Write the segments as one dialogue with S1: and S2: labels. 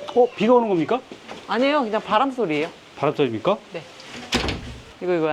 S1: 비가 오는 겁니까?
S2: 아니에요, 그냥 바람 소리예요.
S1: 바람 소리입니까?
S2: 네. 이거야.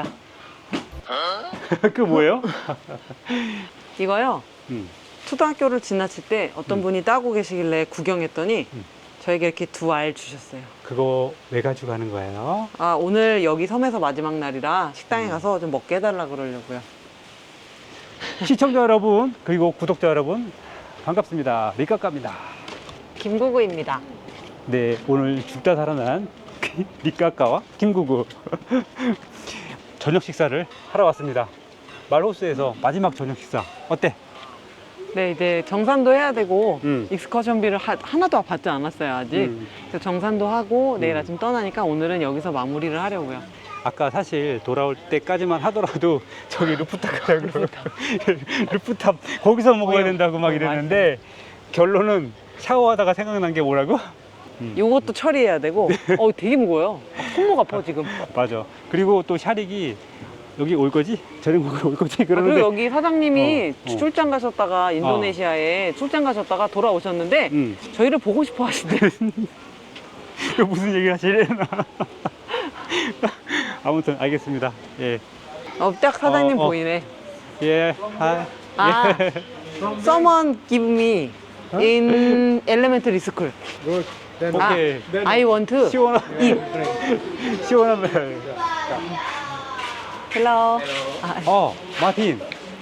S1: 그 뭐예요?
S2: 이거요. 초등학교를 지나칠 때 어떤 분이 따고 계시길래 구경했더니 저에게 이렇게 두 알 주셨어요.
S1: 그거 왜 가지고 가는 거예요?
S2: 아, 오늘 여기 섬에서 마지막 날이라 식당에 가서 좀 먹게 해달라 그러려고요.
S1: 시청자 여러분 그리고 구독자 여러분 반갑습니다. 리카카입니다.
S2: 김구구입니다.
S1: 네, 오늘 죽다 살아난 리카카와 김구구 저녁 식사를 하러 왔습니다. 말호수에서 마지막 저녁 식사 어때?
S2: 네, 이제 정산도 해야 되고
S1: 음.
S2: 익스커션비를 하나도 받지 않았어요, 아직. 그래서 정산도 하고 내일 아침 떠나니까 오늘은 여기서 마무리를 하려고요.
S1: 아까 사실 돌아올 때까지만 하더라도 저기 루프탑 가자고 루프탑 거기서 먹어야 된다고 막 이랬는데 결론은 샤워하다가 생각난 게 뭐라고?
S2: 요것도 처리해야 되고 되게 무거워요. 손목 아파 지금.
S1: 맞아. 그리고 또 샤릭이 여기 올 거지? 저녁 먹으러 올 거지?
S2: 그리고
S1: 그러는데
S2: 여기 사장님이
S1: 어.
S2: 출장 가셨다가 인도네시아에 출장 가셨다가 돌아오셨는데 저희를 보고 싶어 하시대요.
S1: 이거 무슨 얘기를 하시려나? 아무튼 알겠습니다. 예.
S2: 딱 사장님
S1: 어.
S2: 보이네.
S1: 예. 아.
S2: 아,
S1: 예.
S2: someone give me in elementary school.
S3: Good. Then
S1: 오케이.
S2: I want to
S1: 시원한
S2: eat.
S1: 시원한
S2: Hello.
S1: 마틴.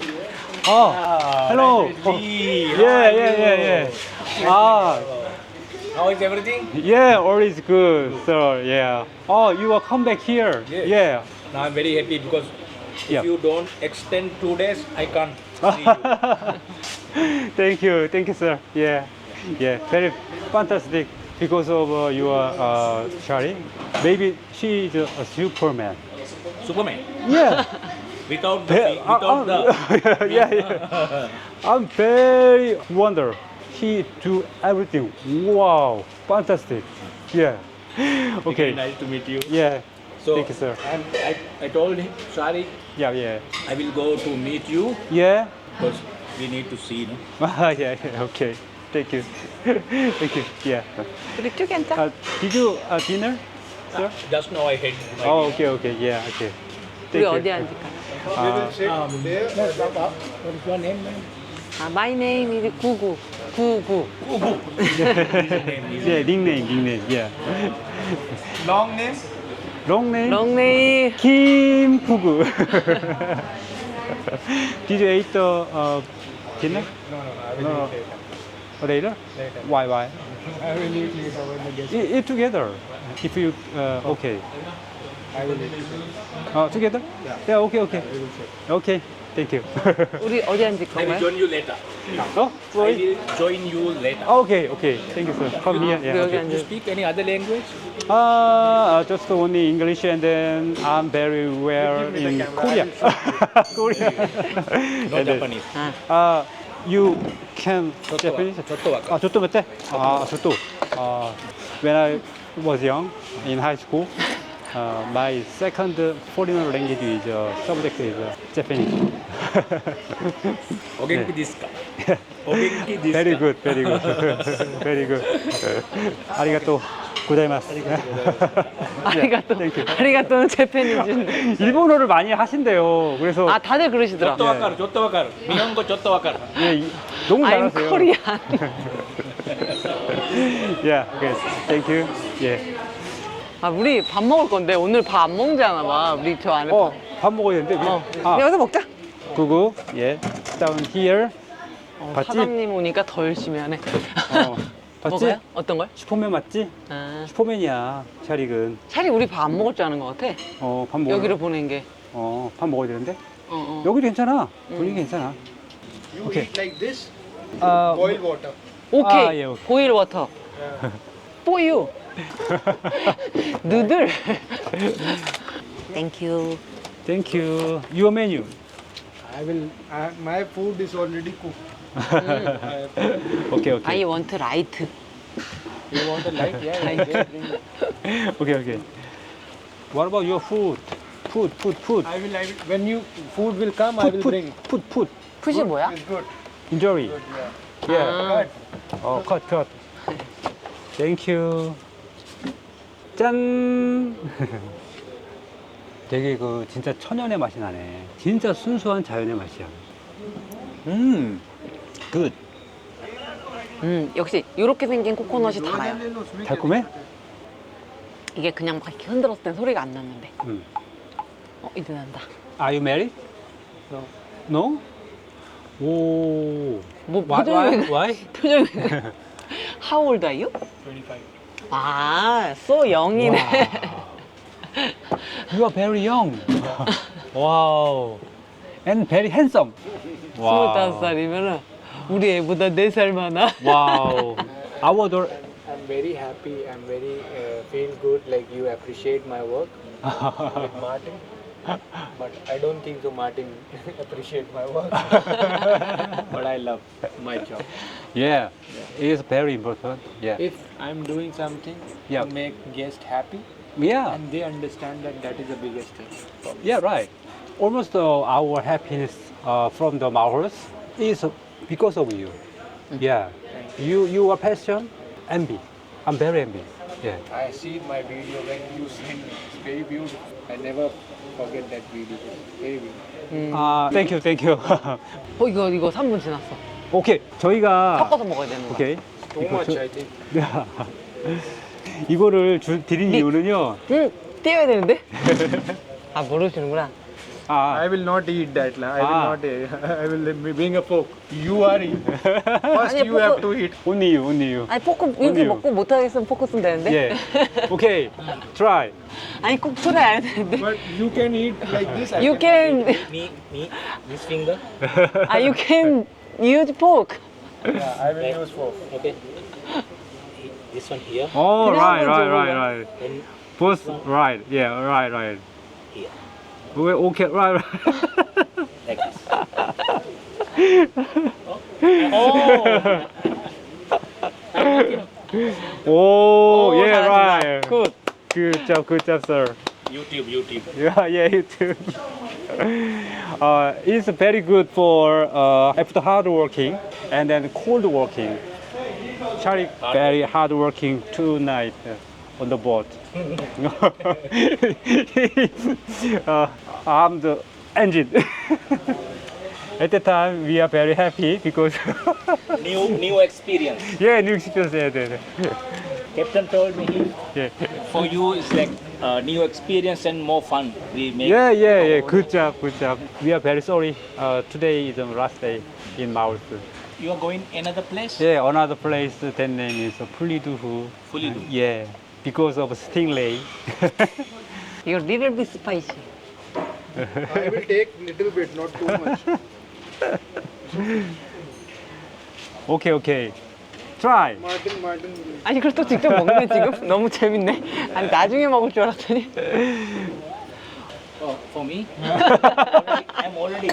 S1: hello. 예. 아,
S3: how is everything?
S1: yeah, all is good, sir. Yeah. You will come back here.
S3: Yes.
S1: Yeah.
S3: Now I'm very happy because
S1: Yeah.
S3: if you don't extend 2 days, I can't see you.
S1: Thank you, sir. Yeah, very fantastic because of your Shari. Maybe she is a Superman.
S3: Superman.
S1: Yeah,
S3: Without the, without the.
S1: yeah. I'm very wonder. He do everything. Wow, fantastic. Yeah. Okay.
S3: Very nice to meet you.
S1: Yeah.
S3: So
S1: Thank you, sir.
S3: I told him, sorry,
S1: Yeah.
S3: I will go to meet you
S1: Yeah.
S3: because we need to see. No?
S1: Yeah. Okay. Thank you. Thank you. Yeah.
S2: 우리 쭉 괜찮아?
S1: Did you dinner, sir?
S3: Just now I had my
S1: Okay. Yeah. Okay.
S2: 우리
S1: Thank
S2: 어디
S1: you.
S2: 앉을까?
S3: What is your name, man?
S2: My name is 구구. 구구.
S1: Yeah, nickname. Yeah.
S3: Long name?
S1: Long name?
S2: Long name.
S1: Kim Pugu. Did you eat the dinner?
S3: No, I will eat
S1: Later? Why?
S3: I will eat later when I get.
S1: Eat together. If you okay.
S3: I will eat.
S1: Together? Yeah. Okay. Okay. Thank you.
S2: 우리 어디 앉을
S3: I will
S2: 건가요?
S3: join you later.
S1: Oh,
S3: I
S1: sorry.
S3: will join you later.
S1: Okay. Thank you, sir. Come here.
S2: 우리
S1: Yeah.
S2: 여기
S1: Okay.
S3: You
S2: 앉을.
S3: speak any other language?
S1: Just only English, and then I'm very well in Korea. Korea.
S3: No
S1: And then,
S3: Japanese.
S1: you can Japanese?
S3: 저또 와까.
S1: 저또 맞대? 저또. When I was young in high school, my second foreign language is subject is Japanese.
S3: 오겐키 디스까? 오겐키 디스까?
S1: Very good. Very good. 아리가또 고자이마스.
S2: 아리가또는 재팬이지.
S1: 일본어를 많이 하신대요. 그래서
S2: 다들 그러시더라.
S3: 저또 와까루. 미혼고 저또 와까루.
S1: 예, 너무
S2: I'm
S1: 잘하세요.
S2: Korean.
S1: Yeah, okay. Thank you. 예.
S2: 우리 밥 먹을 건데 오늘 밥 안 먹지 않아 봐. 우리 저 안에.
S1: 밥 먹어야 되는데.
S2: 여기서 먹자.
S1: 구구. 예. Down here. 봤지?
S2: 사장님 오니까 더 열심히 하네.
S1: 봤지?
S2: 먹어요? 어떤 걸?
S1: 슈퍼맨 맞지? 슈퍼맨이야. 샤릭은.
S2: 차라리 우리 밥 안 먹을 줄 아는 것 같아.
S1: 밥 먹어.
S2: 여기를 보낸 게.
S1: 밥 먹어야 되는데.
S2: 어.
S1: 여기도 괜찮아. 분위기 괜찮아.
S3: You
S1: Okay.
S3: eat like this?
S1: 아,
S3: Boil water.
S2: 오케이.
S1: 예, 오케이.
S2: 보일 워터. 뽀유. 누들. Thank you.
S1: Thank you. Your menu.
S3: I will. My food is already cooked.
S1: Okay.
S2: I want light.
S3: You want a light? Yeah.
S1: Okay. What about your food? Food.
S3: I will. When you food will come, I will bring.
S1: Food.
S2: 푸시 뭐야?
S3: It's good.
S1: Enjoy.
S3: Good, yeah.
S1: Yeah.
S2: 아,
S1: cut. 땡큐. 짠. 되게 그 진짜 천연의 맛이 나네. 진짜 순수한 자연의 맛이야. 굿.
S2: 역시 이렇게 생긴 코코넛이 달아요.
S1: 달콤해?
S2: 이게 그냥 막 이렇게 흔들었을 땐 소리가 안 났는데.
S1: 음.
S2: 이제 난다.
S1: Are you married?
S3: No.
S1: No? 오.
S2: 뭐
S1: Why?
S2: 표정이
S1: Why?
S2: 표정이 How old are you?
S3: 25.
S2: 아, so young이네.
S1: You are very young. wow. And very handsome. wow.
S2: 25살이면은 우리 애보다 4살 많아.
S1: wow. Our daughter.
S3: I'm very happy. I'm very feel good. Like you appreciate my work with Martin. But I don't think so. Martin appreciate my work. But I love my job.
S1: Yeah. It is very important. Yeah.
S3: If I'm doing something
S1: Yeah.
S3: to make guests happy,
S1: Yeah.
S3: and they understand that that is the biggest thing. for me.
S1: Yeah, right. Almost our happiness from the Maurus is because of you. Yeah. You are passion, envy. I'm very envy. Yeah.
S3: I see my video when you sing. It's very beautiful. I never forget that video. Very beautiful.
S1: Thank you, thank you.
S2: 이거 3분 지났어.
S1: 오케이. 저희가
S2: 섞어서 먹어야 되는 거야.
S1: 오케이.
S3: Too much, I think.
S1: 이거를 드린 이유는요.
S2: 띄워야 되는데? 아, 모르시는구나.
S3: I will not eat that. I will not eat. I will bring a fork. You are eat. First
S2: 아니,
S3: you have
S2: fork-
S3: to eat.
S1: Only you, only you.
S2: 아니, 포크 이렇게
S1: 어디요?
S2: 먹고 못하겠으면 포크 쓰면 되는데?
S1: Yeah. Okay. Try.
S2: 아니, 꼭 풀어야 되는데.
S3: But you can eat like this. I
S2: You can,
S4: Me, this finger.
S2: you can use fork.
S3: Yeah, I will use fork.
S4: Okay. This one here.
S1: Oh,
S2: 그냥
S1: right,
S2: 한번
S1: right,
S2: 줘봐.
S1: right, right.
S4: Then
S1: Both right. Yeah, right, right.
S4: here.
S1: Okay, right, right.
S4: Like this.
S1: Oh,
S2: 오,
S1: yeah,
S2: 잘하신다.
S1: right.
S2: 굿.
S1: Good job, sir.
S4: YouTube.
S1: Yeah, you too. It's very good for after hard working and then cold working. Charlie very hard working tonight on the boat. I'm the engine. At the time, we are very happy because
S4: New experience.
S1: yeah, new experience. Yeah.
S4: Captain told me
S1: Yeah.
S4: for you it's like new experience and more fun. We make.
S1: Yeah. Good job. We are very sorry. Today is the last day in Mauritius.
S4: You are going another place.
S1: Yeah, another place. That name is Puliduhu.
S4: Puliduhu.
S1: Yeah, because of stingray.
S2: 이거 little bit spicy.
S3: I will take little bit, not too much.
S1: Okay. Try.
S3: Martin.
S2: 아니, 그걸 또 직접 먹네, 지금? 너무 재밌네. 아니, 나중에 먹을 줄 알았더니.
S4: Oh, for me. I'm already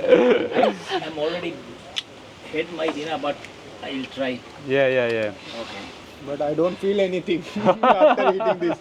S4: had my dinner, but I'll try.
S1: Yeah.
S4: Okay.
S3: But I don't feel anything after eating this.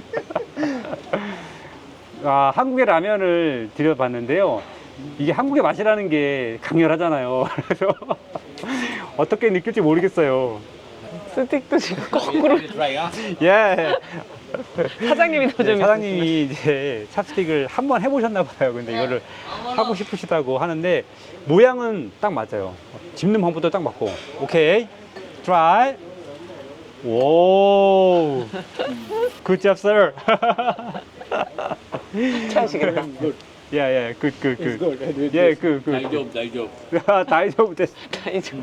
S1: 한국의 라면을 드려봤는데요. 이게 한국의 맛이라는 게 강렬하잖아요. 그래서 어떻게 느낄지 모르겠어요.
S2: 스틱도 지금 거꾸로.
S4: We'll try, huh?
S1: 예.
S2: 사장님이 더 재밌어.
S1: 사장님이 이제 찹스틱을 한번 해보셨나 봐요. 근데 이거를 하고 싶으시다고 하는데 모양은 딱 맞아요. 집는 방법도 딱 맞고. 오케이. Try. 오. Good job, sir.
S2: 하시겠다.
S1: Yeah. Good.
S3: It's good.
S1: Yeah, good.
S4: 다이조브.
S1: 다이조부 됐어.
S2: 다이죠.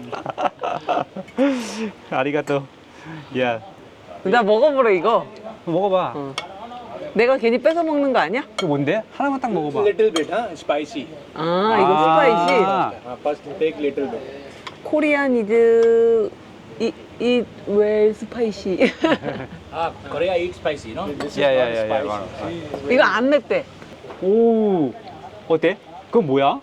S1: 아리가또. Yeah.
S2: 나 먹어보래, 이거.
S1: 먹어봐.
S2: 내가 괜히 뺏어 먹는 거 아니야?
S1: 그 뭔데? 하나만 딱 먹어봐.
S3: Little bit, huh? Spicy.
S2: 아, 이거 스파이시.
S3: First take little bit.
S2: 코리안 이즈 eat well spicy.
S4: Korea eat spicy, no?
S3: This is
S1: Yeah.
S3: not
S1: 맞아.
S3: spicy.
S2: 이거 안 맵대.
S1: 오. 어때? 그건 뭐야?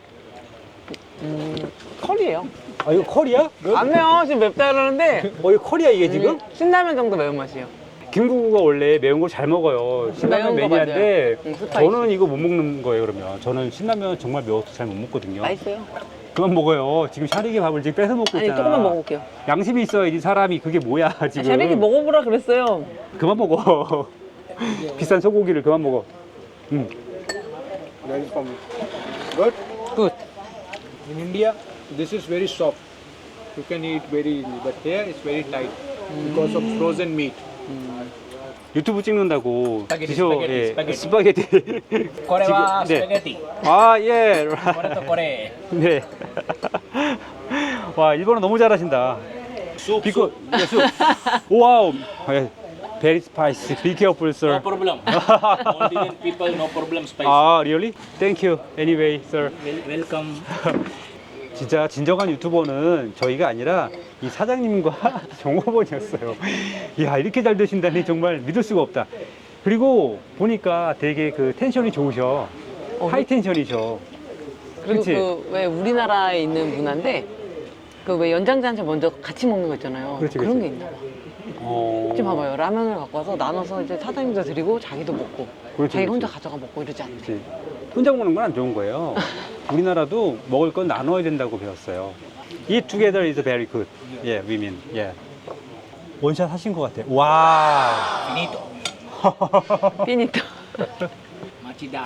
S2: 커리예요.
S1: 이거 커리야?
S2: 안 매워. 지금 맵다 그러는데
S1: 이거 커리야 이게 지금?
S2: 신라면 정도 매운맛이에요.
S1: 김구구가 원래 매운 걸 잘 먹어요. 신라면
S2: 매운 거
S1: 매니아인데
S2: 맞아요. 스파이시.
S1: 저는 이거 못 먹는 거예요. 그러면 저는 신라면 정말 매워서 잘 못 먹거든요.
S2: 맛있어요.
S1: 그만 먹어요. 지금 샤릭이 밥을 지금 뺏어 먹고
S2: 아니,
S1: 있잖아.
S2: 조금만 먹어볼게요.
S1: 양심이 있어야지 사람이. 그게 뭐야 지금.
S2: 샤렉이 먹어보라 그랬어요.
S1: 그만 먹어. 비싼 소고기를 그만 먹어.
S3: That is for me. Good.
S1: Good.
S3: In India, this is very soft. You can eat very easily, but here it's very tight because of frozen meat.
S1: 유튜브 찍는다고
S4: 스파게티,
S1: 드셔.
S4: 스파게티,
S1: 예.
S4: 스파게티.
S1: 스파게티.
S4: Korewa
S1: 네.
S4: spaghetti.
S1: 아 예.
S4: Kore to kore.
S1: 네. 와 일본어 너무 잘하신다.
S4: Soup.
S1: 비코 와우. Very spicy. Be careful,
S4: No
S1: sir.
S4: problem. Maldivian people, no problem spicy.
S1: 아, really? Thank you. Anyway, sir.
S4: Welcome.
S1: 진짜 진정한 유튜버는 저희가 아니라 이 사장님과 종업원이었어요. 이야, 이렇게 잘 되신다니 정말 믿을 수가 없다. 그리고 보니까 되게 그 텐션이 좋으셔. 하이 텐션이셔.
S2: 그리고
S1: 그치?
S2: 그 왜 우리나라에 있는 문화인데 그 왜 연장자한테 먼저 같이 먹는 거 있잖아요.
S1: 그렇지,
S2: 런
S1: 그렇지.
S2: 게 있나 봐.
S1: 어...
S2: 지금 봐봐요. 라면을 갖고 와서 나눠서 이제 사장님도 드리고 자기도 먹고
S1: 그렇지,
S2: 자기
S1: 그렇지.
S2: 혼자 가져가 먹고 이러지 않나.
S1: 그치. 혼자 먹는 건 안 좋은 거예요. 우리나라도 먹을 건 나눠야 된다고 배웠어요. Eat together is very good. Yeah, women. Yeah. 원샷 하신 것 같아요. 와.
S4: Finito.
S2: 피니또.
S4: Machida.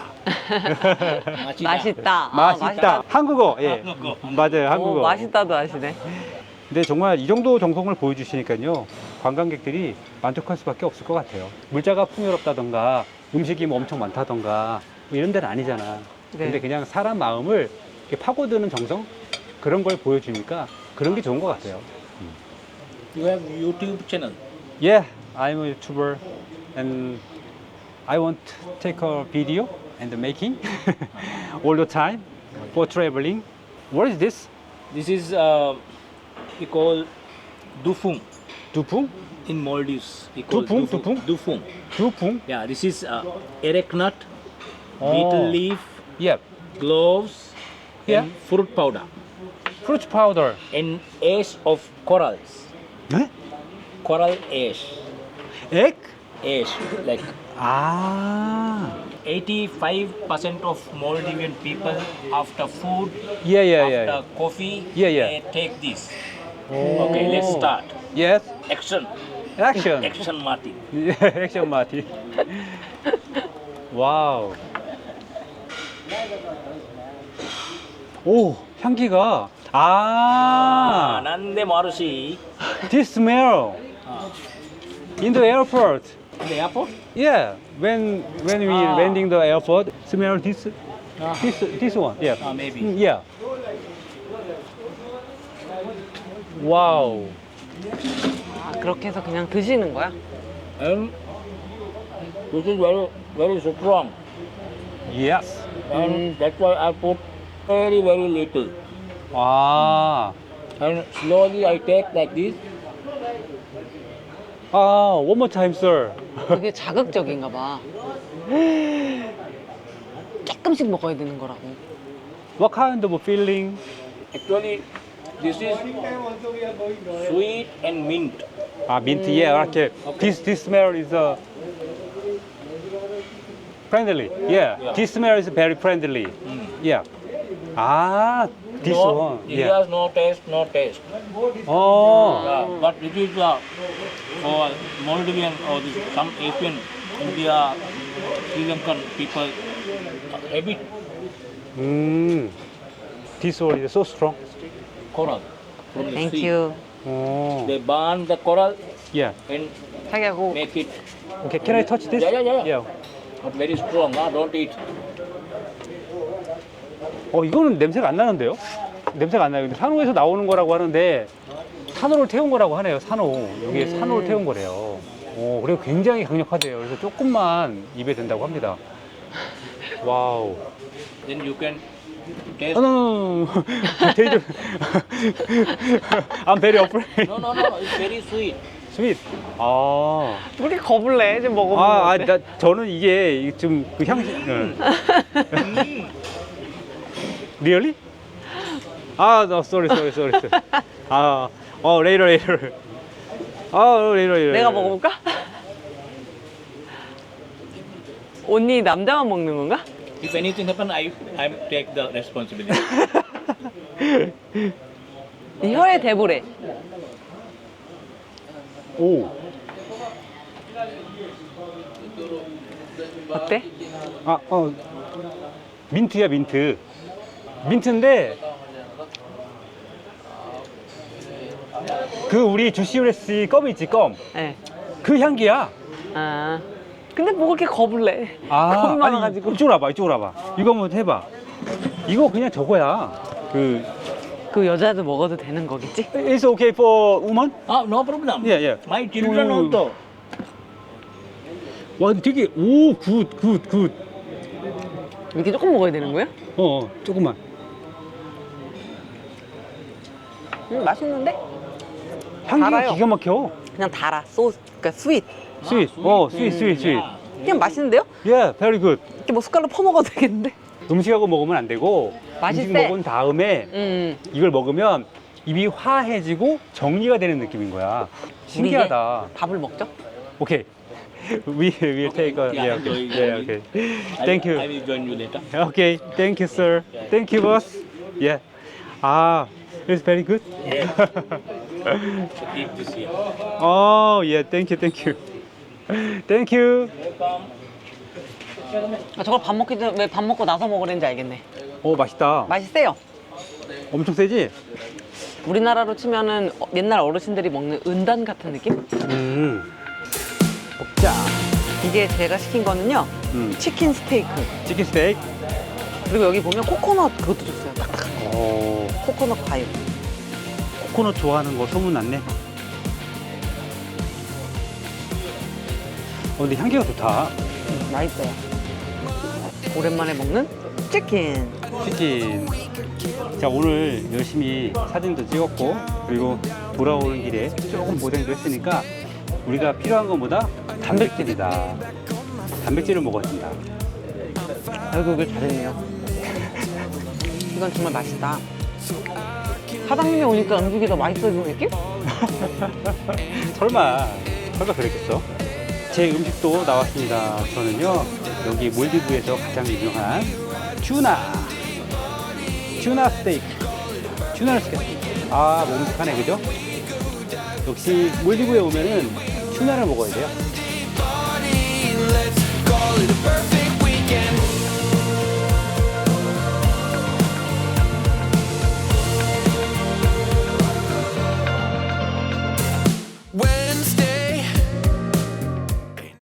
S2: 맛있다. 아,
S1: 맛있다. 한국어. 예.
S4: 한국어.
S1: 맞아요. 한국어.
S2: 오, 맛있다도 아시네.
S1: 근데 정말 이 정도 정성을 보여주시니까요. 관광객들이 만족할 수밖에 없을 것 같아요. 물자가 풍요롭다던가 음식이 뭐 엄청 많다던가 뭐 이런 데는 아니잖아.
S2: 네.
S1: 근데 그냥 사람 마음을 이렇게 파고드는 정성? 그런 걸 보여주니까 그런 게 좋은 것 같아요.
S4: You have YouTube channel.
S1: Yeah, I'm a YouTuber and I want to take a video and making all the time for traveling. What is this?
S4: This is we call dufung
S1: 두풍?
S4: in Maldives. We call
S1: Dufung?
S4: Dufung.
S1: 두풍?
S4: Yeah, this is erect nut,
S1: Oh.
S4: betel leaf,
S1: Yeah.
S4: cloves,
S1: Yeah.
S4: and fruit powder,
S1: Fruit powder.
S4: and ash of corals.
S1: 네?
S4: Coral ash.
S1: Egg?
S4: Ash. Like
S1: 아.
S4: 85% of Maldivian people after food,
S1: Yeah, yeah,
S4: after
S1: yeah.
S4: coffee,
S1: Yeah, yeah.
S4: they take this. Okay, let's start.
S1: Yes.
S4: Action.
S1: Action.
S4: Action Martin.
S1: 액션 마티. 와우. 오, 향기가. 아.
S4: Nande Marushi.
S1: This smell in the airport.
S4: In the airport?
S1: Yeah, when we
S4: Ah.
S1: landing the airport, smell this this one. Yeah.
S4: Maybe.
S1: Yeah. 와우.
S2: 아, 그렇게 해서 그냥 드시는 거야?
S4: And this is very, very strong.
S1: Yes.
S4: And that's why I put very, very little.
S1: 아.
S4: And slowly I take like this.
S1: 아, one more time, sir.
S2: 그게 자극적인가 봐. 조금씩 먹어야 되는 거라고.
S1: What kind of feeling?
S4: Actually, this is sweet and mint.
S1: 아, 민트. Yeah, 이렇게. This smell is friendly. Yeah.
S4: Yeah.
S1: This smell is very friendly. Yeah. 아, this
S4: no,
S1: one.
S4: This
S1: Yeah.
S4: has no taste, no taste.
S1: 어.
S4: But it is for Maldivian or some Asian, India, Sri Lankan people, habit
S1: This one is so strong.
S4: coral from the sea.
S2: 땡큐.
S1: 어.
S4: They burn the coral
S1: Yeah.
S4: and
S2: 자기하고
S4: make it
S1: Okay, can I touch this?
S4: Yeah. but very strong. Don't eat.
S1: 이거는 냄새가 안 나는데요? 냄새가 안 나요. 근데 산호에서 나오는 거라고 하는데 산호를 태운 거라고 하네요. 산호. 여기에 산호를 태운 거래요. 그리고 굉장히 강력하대요. 그래서 조금만 입에 든다고 합니다. 와우.
S4: Then you can taste.
S1: No. Taste. I'm very afraid.
S4: No. It's very sweet.
S1: Sweet. 아.
S2: 우리 겁을 내. 지금 먹어보면 어때?
S1: 저는 이게 좀 그 향기. Really? No, sorry. later. later.
S2: 내가 먹어볼까? 언니 남자만 먹는 건가?
S4: If anything happen, I take the responsibility.
S2: 혀에 대보래.
S1: 오.
S2: 어때?
S1: 아, 민트야, 민트. 민트인데, 그 우리 주시오레스 껌 있지, 껌.
S2: 네.
S1: 그 향기야.
S2: 아. 근데 뭐 그렇게 겁을 내? 겁이
S1: 아니,
S2: 많아가지고.
S1: 이쪽으로 와봐, 이쪽으로 와봐. 이거 한번 해봐. 이거 그냥 저거야.
S2: 그 여자도 먹어도 되는 거겠지?
S1: It's okay for woman?
S4: Ah, no problem.
S1: Yeah, yeah.
S4: My children
S1: You-
S4: also.
S1: 와, 근데 되게, 오, 굿.
S2: 이렇게 조금 먹어야 되는 거야?
S1: 조금만.
S2: 맛있는데?
S1: 향기가
S2: 달아요.
S1: 기가 막혀.
S2: 그냥 달아. 소스, 그러니까 스윗.
S1: 스윗. 스윗.
S4: Yeah.
S2: 그냥 맛있는데요?
S1: Yeah, very good.
S2: 이렇게 뭐 숟갈로 퍼먹어도 되겠는데?
S1: 음식하고 먹으면 안 되고,
S2: 맛있대.
S1: 음식 먹은 다음에 이걸 먹으면 입이 화해지고 정리가 되는 느낌인 거야. 신기하다.
S2: 밥을 먹죠?
S1: 오케이. We will take a,
S4: Yeah,
S1: yeah, okay.
S4: enjoy,
S1: Yeah,
S4: enjoy.
S1: okay. Thank
S4: I
S1: you.
S4: will join you later.
S1: Okay, thank you, sir. Thank you, boss. Yeah. Ah, it's very good.
S4: So keep this here.
S1: Oh, yeah, thank you. Thank you.
S4: Welcome.
S2: 아, 저걸 왜 밥 먹고 나서 먹으랬는지 알겠네.
S1: 오, 맛있다.
S2: 맛이 세요.
S1: 엄청 세지?
S2: 우리나라로 치면은 옛날 어르신들이 먹는 은단 같은 느낌?
S1: 먹자.
S2: 이게 제가 시킨 거는요. 치킨 스테이크.
S1: 치킨 스테이크.
S2: 그리고 여기 보면 코코넛 그것도 줬어요. 딱딱한
S1: 오,
S2: 코코넛 과육.
S1: 코코넛 좋아하는 거 소문났네. 근데 향기가 좋다.
S2: 맛있어요. 오랜만에 먹는 치킨.
S1: 치킨. 자, 오늘 열심히 사진도 찍었고, 그리고 돌아오는 길에 조금 고생도 했으니까 우리가 필요한 것보다 단백질이다. 단백질을 먹어야 된다.
S2: 아이고, 이걸 잘했네요. 이건 정말 맛있다. 사장님이 오니까 음식이 더 맛있어지는 느낌?
S1: 설마 그랬겠어? 제 음식도 나왔습니다. 저는요, 여기 몰디브에서 가장 유명한 튜나 스테이크. 튜나를 시켰습니다. 아, 먹음직하네, 그죠? 역시 몰디브에 오면은 튜나를 먹어야 돼요.
S5: Let's call it a perfect